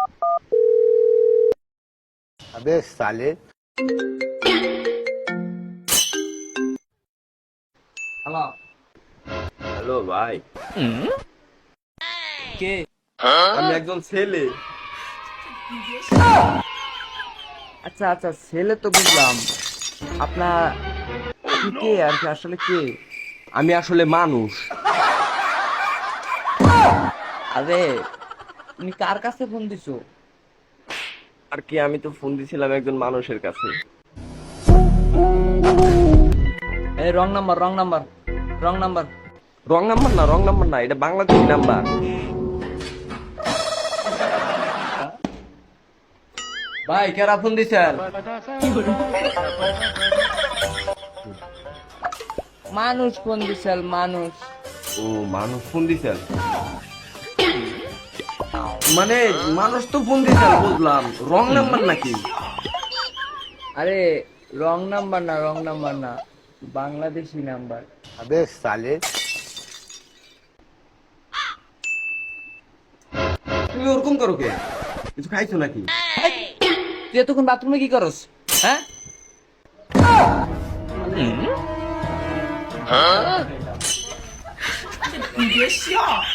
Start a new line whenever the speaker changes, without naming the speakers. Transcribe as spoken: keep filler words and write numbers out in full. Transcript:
अबे साले।
Hello.
Hello ভাই,
কে?
আমি একজন ছেলে।
আচ্ছা আচ্ছা, ছেলে তো বুঝলাম। আপনার আপনি কে আর কি, আসলে কে?
আমি আসলে মানুষ।
আরে তুমি কার কাছে ফোন দিছো?
আর কি, আমি তো ফোন দিছিলাম একজন মানুষের কাছে।
এই wrong number, wrong number, wrong number.
Wrong number না, রং নাম্বার না, এটা বাংলাদেশি নাম্বার।
ভাই কেরা ফোন দিছেন? মানুষ ফোন দিছেন, মানুষ।
ও, মানুষ ফোন দিছেন? মানে মানুষ তো ফোন দিছেন বুঝলাম, রং নাম্বার নাকি?
আরে রং নাম্বার না, রং নাম্বার না, বাংলাদেশি নাম্বার।
अबे साले।
তুমি ওরকম করো কে? কিছু খাইছো নাকি?
তুই এতক্ষণ বাথরুমে কি করস? হ্যাঁ,